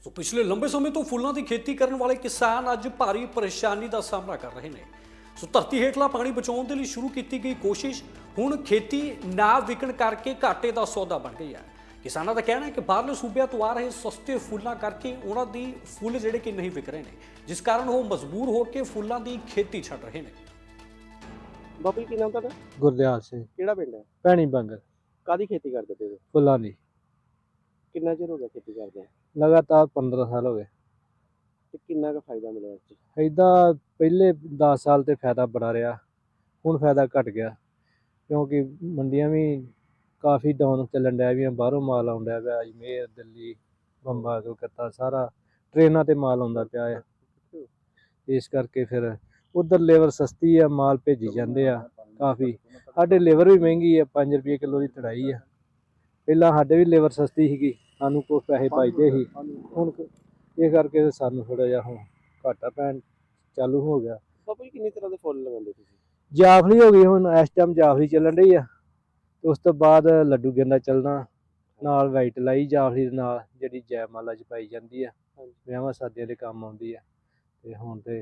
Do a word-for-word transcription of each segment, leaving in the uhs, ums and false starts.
ਸੋ ਪਿਛਲੇ ਲੰਬੇ ਸਮੇਂ ਤੋਂ ਫੁੱਲਾਂ ਦੀ ਖੇਤੀ ਕਰਨ ਵਾਲੇ ਕਿਸਾਨ ਅੱਜ ਭਾਰੀ ਪਰੇਸ਼ਾਨੀ ਦਾ ਸਾਹਮਣਾ ਕਰ ਰਹੇ ਨੇ। ਸੋ ਧਰਤੀ ਹੇਠਲਾ ਪਾਣੀ ਬਚਾਉਣ ਦੇ ਲਈ ਸ਼ੁਰੂ ਕੀਤੀ ਗਈ ਕੋਸ਼ਿਸ਼ ਹੁਣ ਖੇਤੀ ਨਾ ਵਿਕਣ ਕਰਕੇ ਘਾਟੇ ਦਾ ਸੌਦਾ ਬਣ ਗਈ ਹੈ। ਕਿਸਾਨਾਂ ਦਾ ਕਹਿਣਾ ਹੈ ਕਿ ਬਾਹਰਲੇ ਸੂਬਿਆਂ ਤੋਂ ਆ ਰਹੇ ਸਸਤੇ ਫੁੱਲਾਂ ਕਰਕੇ ਉਹਨਾਂ ਦੀ ਫੁੱਲ ਜਿਹੜੇ ਕਿ ਨਹੀਂ ਵਿਕ ਰਹੇ ਨੇ, ਜਿਸ ਕਾਰਨ ਉਹ ਮਜਬੂਰ ਹੋ ਕੇ ਫੁੱਲਾਂ ਦੀ ਖੇਤੀ ਛੱਡ ਰਹੇ ਨੇ। ਬਾਬੂ ਜੀ ਕੀ ਨਾਮ ਤੁਹਾਡਾ? ਗੁਰਦਿਆਲ ਸਿੰਘ ਕਿਹੜਾ ਪਿੰਡ ਹੈ? ਭੈਣੀ ਬੰਗਰ ਕਾਦੀ ਖੇਤੀ ਕਰਦੇ ਪਏ ਹੋ? ਫੁੱਲਾਂ ਦੀ ਕਿੰਨਾ ਚਿਰ ਹੋ ਗਿਆ ਖੇਤੀ ਕਰਦੇ ਆ ਲਗਾਤਾਰ ਪੰਦਰਾਂ ਸਾਲ ਹੋ ਗਏ। ਤੇ ਕਿੰਨਾ ਕੁ ਫਾਇਦਾ ਮਿਲਿਆ ਇਸ 'ਚ? ਇੱਦਾਂ ਪਹਿਲੇ ਦਸ ਸਾਲ ਤੇ ਫਾਇਦਾ ਬੜਾ ਰਿਹਾ, ਹੁਣ ਫਾਇਦਾ ਘਟ ਗਿਆ ਕਿਉਂਕਿ ਮੰਡੀਆਂ ਵੀ ਕਾਫੀ ਡਾਊਨ ਚੱਲਣ ਡਿਆ ਵੀ, ਬਾਹਰੋਂ ਮਾਲ ਆਉਣ ਡਿਆ ਪਿਆ, ਅਜਮੇਰ ਦਿੱਲੀ ਬੰਬਾ ਕਲਕੱਤਾ ਸਾਰਾ ਟ੍ਰੇਨਾਂ ਤੇ ਮਾਲ ਆਉਂਦਾ ਪਿਆ ਹੈ। ਇਸ ਕਰਕੇ ਫਿਰ ਉਧਰ ਲੇਬਰ ਸਸਤੀ ਆ, ਮਾਲ ਭੇਜੀ ਜਾਂਦੇ ਆ ਕਾਫੀ। ਸਾਡੇ ਲੇਬਰ ਵੀ ਮਹਿੰਗੀ ਆ, ਪੰਜ ਰੁਪਏ ਕਿਲੋ ਦੀ ਤੜਾਈ ਆ। ਪਹਿਲਾਂ ਸਾਡੇ ਵੀ ਲੇਬਰ ਸਸਤੀ ਸੀਗੀ, ਸਾਨੂੰ ਕੁਛ ਪੈਸੇ ਬਚਦੇ ਸੀ, ਹੁਣ ਇਹ ਕਰਕੇ ਸਾਨੂੰ ਥੋੜਾ ਜਿਹਾ ਹੁਣ ਘਾਟਾ ਪੈਣ ਚਾਲੂ ਹੋ ਗਿਆ। ਬਾਬੂ ਜੀ ਕਿੰਨੀ ਤਰ੍ਹਾਂ ਦੇ ਫੁੱਲ ਲਗਾਉਂਦੇ ਤੁਸੀਂ? ਜਾਫਲੀ ਹੋ ਗਈ, ਹੁਣ ਇਸ ਟਾਈਮ ਜਾਫਲੀ ਚੱਲਣ ਰਹੀ ਆ, ਤੇ ਉਸ ਤੋਂ ਬਾਅਦ ਲੱਡੂ ਗੇਂਦਾ ਚੱਲਣਾ, ਨਾਲ ਵਾਈਟ ਲਾਈ ਜਾਫਲੀ ਦੇ ਨਾਲ ਜਿਹੜੀ ਜੈਮਾਲਾ ਚ ਪਾਈ ਜਾਂਦੀ ਆ, ਵਿਆਹਾਂ ਸ਼ਾਦੀਆਂ ਦੇ ਕੰਮ ਆਉਂਦੀ ਆ। ਤੇ ਹੁਣ ਤੇ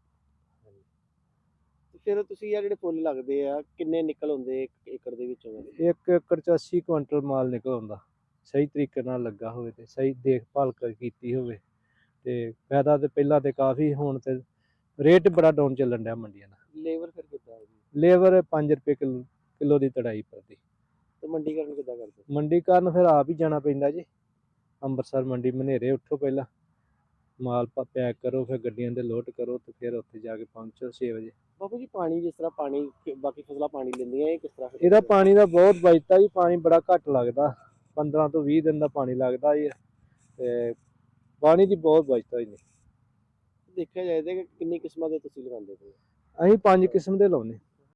ਫਿਰ ਤੁਸੀਂ ਆ ਜਿਹੜੇ ਫੁੱਲ ਲੱਗਦੇ ਆ ਕਿੰਨੇ ਨਿਕਲ ਹੁੰਦੇ ਇੱਕ ਏਕੜ ਦੇ ਵਿੱਚੋਂ? ਇੱਕ ਏਕੜ ਚ ਅੱਸੀ ਕੁਇੰਟਲ ਮਾਲ ਨਿਕਲ ਆਉਂਦਾ, ਸਹੀ ਤਰੀਕੇ ਨਾਲ ਲੱਗਾ ਹੋਵੇ ਤੇ ਸਹੀ ਦੇਖਭਾਲ ਕੀਤੀ ਹੋਵੇ ਤੇ ਫਾਇਦਾ ਤੇ ਪਹਿਲਾਂ ਤੇ ਕਾਫੀ, ਹੁਣ ਤੇ ਰੇਟ ਬੜਾ ਡਾਊਨ ਚੱਲਣ ਡਿਆ ਮੰਡੀਆਂ ਦਾ। ਲੇਬਰ ਫਿਰ ਕਿੱਦਾਂ ਹੈ ਜੀ? ਲੇਬਰ ਪੰਜ ਰੁਪਏ ਕਿਲੋ ਕਿਲੋ ਦੀ ਤੜਾਈ ਪਰਦੀ। ਤੇ ਮੰਡੀਕਰਨ ਕਿੱਦਾਂ ਕਰਦੇ? ਮੰਡੀ ਕਾਰਨ ਫਿਰ ਆਪ ਹੀ ਜਾਣਾ ਪੈਂਦਾ ਜੀ, ਅੰਮ੍ਰਿਤਸਰ ਮੰਡੀ ਮਨੇਰੇ ਉੱਠੋ, ਪਹਿਲਾਂ ਮਾਲ ਪੈਕ ਕਰੋ, ਫਿਰ ਗੱਡੀਆਂ ਦੇ ਲੋਡ ਕਰੋ ਤੇ ਫਿਰ ਉੱਥੇ ਜਾ ਕੇ ਪਹੁੰਚੋ ਛੇ ਵਜੇ। ਬਾਬੂ ਜੀ ਪਾਣੀ ਜਿਸ ਤਰ੍ਹਾਂ ਪਾਣੀ ਬਾਕੀ ਫਸਲਾਂ ਪਾਣੀ ਲੈਂਦੀਆਂ, ਇਹ ਕਿਸ ਤਰ੍ਹਾਂ? ਇਹਦਾ ਪਾਣੀ ਦਾ ਬਹੁਤ ਬਚਤਾ ਜੀ, ਪਾਣੀ ਬੜਾ ਘੱਟ ਲੱਗਦਾ, ਪੰਦਰਾਂ ਤੋਂ ਵੀਹ ਦਿਨ ਦਾ ਪਾਣੀ ਲੱਗਦਾ ਜੀ, ਤੇ ਪਾਣੀ ਦੀ ਬਹੁਤ ਬਚਤਾ ਜੀ। ਦੇਖਿਆ ਜਾਏ ਤਾਂ ਕਿੰਨੀ ਕਿਸਮਾਂ ਦੇ ਤੁਸੀਂ ਲਗਾਉਂਦੇ ਪਏ? ਅਸੀਂ ਪੰਜ ਕਿਸਮ ਦੇ ਲਾਉਂਦੇ।